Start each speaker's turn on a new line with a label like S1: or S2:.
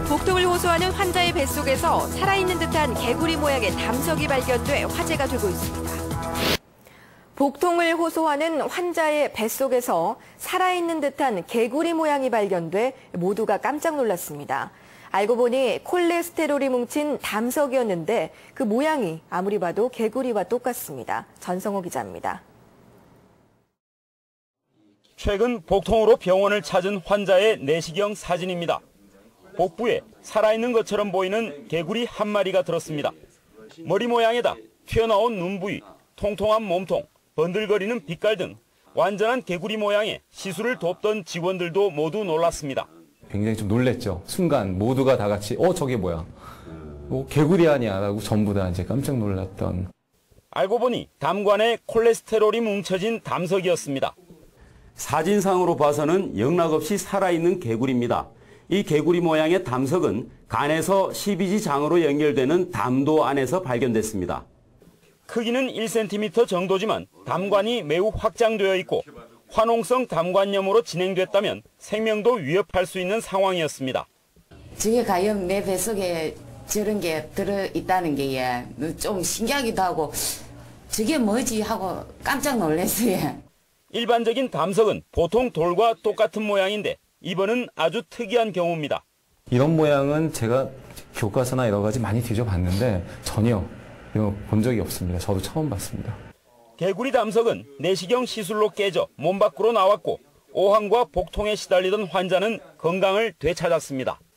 S1: 복통을 호소하는 환자의 뱃속에서 살아있는 듯한 개구리 모양의 담석이 발견돼 화제가 되고 있습니다. 복통을 호소하는 환자의 뱃속에서 살아있는 듯한 개구리 모양이 발견돼 모두가 깜짝 놀랐습니다. 알고 보니 콜레스테롤이 뭉친 담석이었는데 그 모양이 아무리 봐도 개구리와 똑같습니다. 전성호 기자입니다.
S2: 최근 복통으로 병원을 찾은 환자의 내시경 사진입니다. 복부에 살아있는 것처럼 보이는 개구리 한 마리가 들었습니다. 머리 모양에다 튀어나온 눈 부위, 통통한 몸통, 번들거리는 빛깔 등 완전한 개구리 모양의 시술을 돕던 직원들도 모두 놀랐습니다.
S3: 굉장히 좀 놀랬죠. 순간 모두가 다 같이 저게 뭐야? 개구리 아니야? 라고 전부 다 이제 깜짝 놀랐던.
S2: 알고 보니 담관에 콜레스테롤이 뭉쳐진 담석이었습니다.
S4: 사진상으로 봐서는 영락없이 살아있는 개구리입니다. 이 개구리 모양의 담석은 간에서 십이지장으로 연결되는 담도 안에서 발견됐습니다.
S2: 크기는 1cm 정도지만 담관이 매우 확장되어 있고 화농성 담관염으로 진행됐다면 생명도 위협할 수 있는 상황이었습니다.
S5: 저게 과연 내 뱃속에 저런 게 들어있다는 게 좀 신기하기도 하고 저게 뭐지 하고 깜짝 놀랐어요.
S2: 일반적인 담석은 보통 돌과 똑같은 모양인데 이번은 아주 특이한 경우입니다.
S3: 이런 모양은 제가 교과서나 여러 가지 많이 뒤져봤는데 전혀 본 적이 없습니다. 저도 처음 봤습니다.
S2: 개구리 담석은 내시경 시술로 깨져 몸 밖으로 나왔고 오한과 복통에 시달리던 환자는 건강을 되찾았습니다.